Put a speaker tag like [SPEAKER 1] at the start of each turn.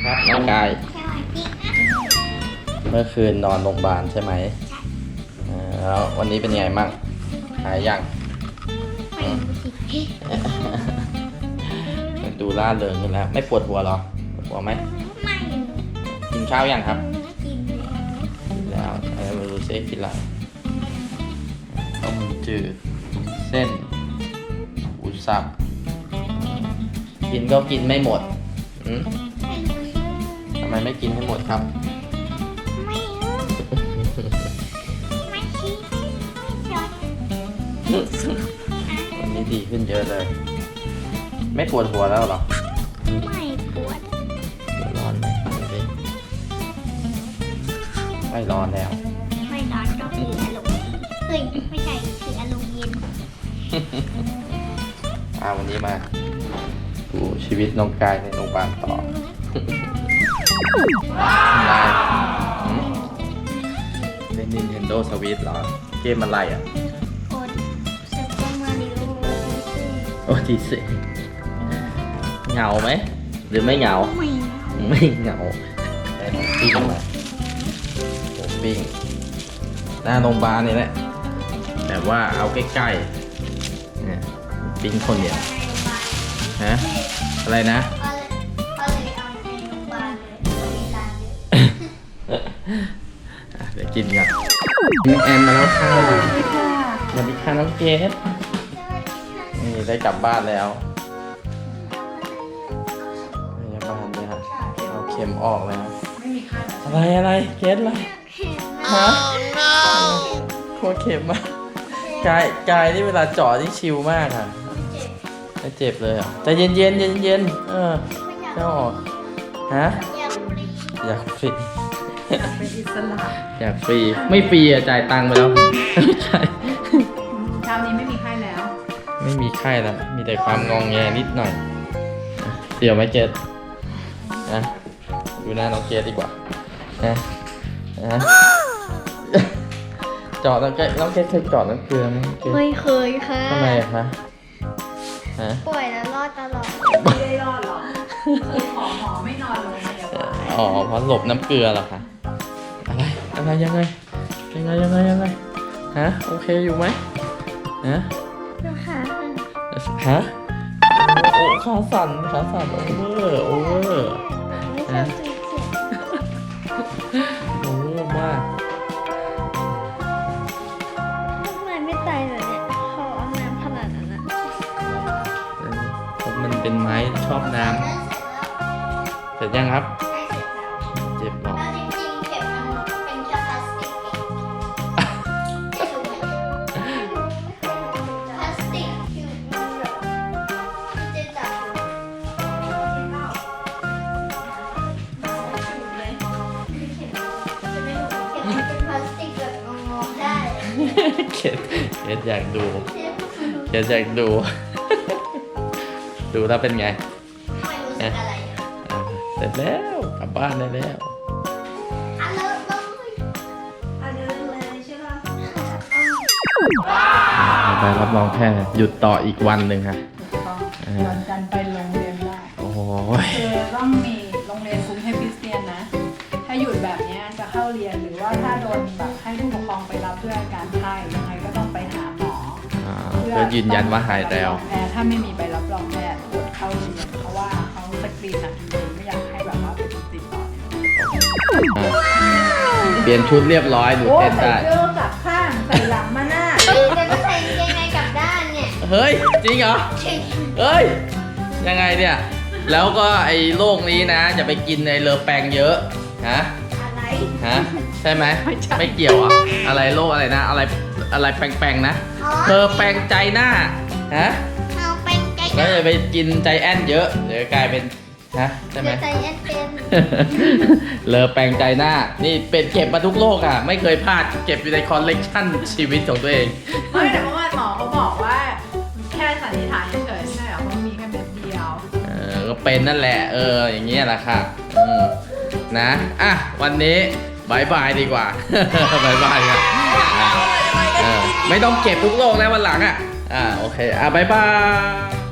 [SPEAKER 1] ครับน้องกายเมื่อคืนนอนโรงพยาบาลใช่ไหมแล้ววันนี้เป็นไงมั่งหายยังมันดูล่าเริงขึ้นแล้วไม่ปวดหัวหรอปวดหัวไหมไม่กินข้าวยังครับกินแล้วมาดูซิกินอะไรต้มจืดเส้นอุสับกินก็กินไม่หมดทำไมไม่กินให้หมดครับวันนี้ดีขึ้นเยอะเลยไม่ปวดหัวแล้วหรอ
[SPEAKER 2] ไม่ปวด
[SPEAKER 1] ร้อนไหมดูสิไม่ร้อนแล้ว
[SPEAKER 2] ไม่ร้อนก็คืออารมณ์เฮ้ยไม่ใช่คืออารมณ์เย็น
[SPEAKER 1] วันนี้มาดูชีวิตน้องกายในโรงพยาบาลต่อเล่น Nintendo Switch เหรอเกมอะไรอ่ะ
[SPEAKER 2] กดซูเปอร์มาริโอ
[SPEAKER 1] โอ้ดีสิเหงาไหมหรือไม่เหงาไม่เหงาแต่ปิ้งมาโอ้ปิ้งหน้าโรงพยาบาลนี่แหละแต่ว่าเอาใกล้ๆเนี่ยปิ้งคนเดียวฮะอะไรนะเดี๋ยวกินกันน้องแอนมาแล้วค่ะสวัสดีค่ะน้องเกดนี่ได้กลับบ้านแล้วพยาบาลเลยค่ะเอาเข็มออกแล้วอะไรเกดอะไรฮะโคตรเข็มมากกายนี่เวลาเจาะที่ชิลมากค่ะไม่เจ็บเลยอ่ะแต่เย็นเจ้าออกฮะอยากฟรี
[SPEAKER 3] เป็นอิสระ
[SPEAKER 1] อยากฟรีไม่ฟรีอ่ะจ่ายตังค์ไปแล้วใช่
[SPEAKER 3] เช้านี้ไม่มีไข้แล้ว
[SPEAKER 1] ไม่มีไข้แล้วมีแต่ความงองแงนิดหน่อยเดี๋ยวไม่เจ็ดนะดูหน้าน้องเกดดีกว่านะเจาะน้องเกดเคยเจาะน้ำเกลือไหม
[SPEAKER 2] ไม่เคยค่ะ
[SPEAKER 1] ทำไมคะ
[SPEAKER 2] ป่วยแล้วรอดตลอด
[SPEAKER 3] ไม่ได้รอดหรอกหมอไม่นอนโรงพยาบาล
[SPEAKER 1] เพราะหลบน้ำเกลือเหรอคะอะไรยังไงฮะโอเคอยู่ไหมฮะโอ้ขาสั่นโอเวอร์ฮะโอเวอร์มาก
[SPEAKER 2] ทำไมไม่ตายเลยเนี่ยเขาเอาน้ำขนาดนั้นนะ
[SPEAKER 1] เพราะมันเป็นไม้ชอบน้ำเสร็จยังครับเจ็บหรอเกดอยากดูดูแล้วเป็นไงเสร็จแล้วกลับบ้านได้แล้วไปรับรองแพทย์หยุดต่ออีกวันหนึ่งค่ะ
[SPEAKER 3] วันจันทร์ไปโรงเรียนได้
[SPEAKER 1] โอ้ย
[SPEAKER 3] คือต้องมีโรงเรียนกรุงเทพคริสเตียนนะถ้าหยุดแบบนี้จะเข้าเรียนหรือว่าถ้าโดนแบบให้ผู้ปกครองไปรับเพื่ออาการไข้ยังไงก็ต้องไปหาหมอ
[SPEAKER 1] เพื่อยืนยันว่าหายแล้ว
[SPEAKER 3] ถ้าไม่มีใบรับรองแพทย์อดเข้าเรียนเพราะว่าเขาสกรีนนะจริงๆไม่อยากให้แบบว่าเป็นติดต่อ
[SPEAKER 1] เปลี่ยนชุดเรียบร้อยหนูเต้นได้
[SPEAKER 3] ใส่เสื้อกลับข้างใส่หลังมาหน้า
[SPEAKER 2] จะไม่ใส่ยังไงกลับด้านเนี่ย
[SPEAKER 1] เฮ้ยจริงเหรอเฮ้ยยังไงเนี่ยแล้วก็ไอ้โรคนี้นะอย่าไปกินไอ้เลอแปงเยอะ
[SPEAKER 2] อะไร
[SPEAKER 1] ใช่ไหมไม่เกี่ยวอ่ะอะไรโรคอะไรนะอะไรแปงๆนะเธอแปงใจหน้า
[SPEAKER 2] เอาแปงใจ
[SPEAKER 1] แล้วอย่าไปกินใจแอนเยอะเดี๋ยวกลายเป็นใช่ไหม
[SPEAKER 2] ใจแอนเป็น
[SPEAKER 1] เลอแปงใจหน้านี่เป็นเก็บมาทุกโรคอ่ะไม่เคยพลาดเก็บอยู่ในคอลเลกชันชีวิตของตัวเอง
[SPEAKER 3] ไม่แต่เมื่อวานหมอเขาบอกว่าแค่สันนิษฐานเฉยๆใช่เหรอเพราะมีแค่เม็ดเดียว
[SPEAKER 1] ก็เป็นนั่นแหละอย่างเงี้ยแหละค่ะนะวันนี้บายบายดีกว่าบายบายครับไม่ต้องเก็บทุกโรคแล้ววันหลังโอเคบายบาย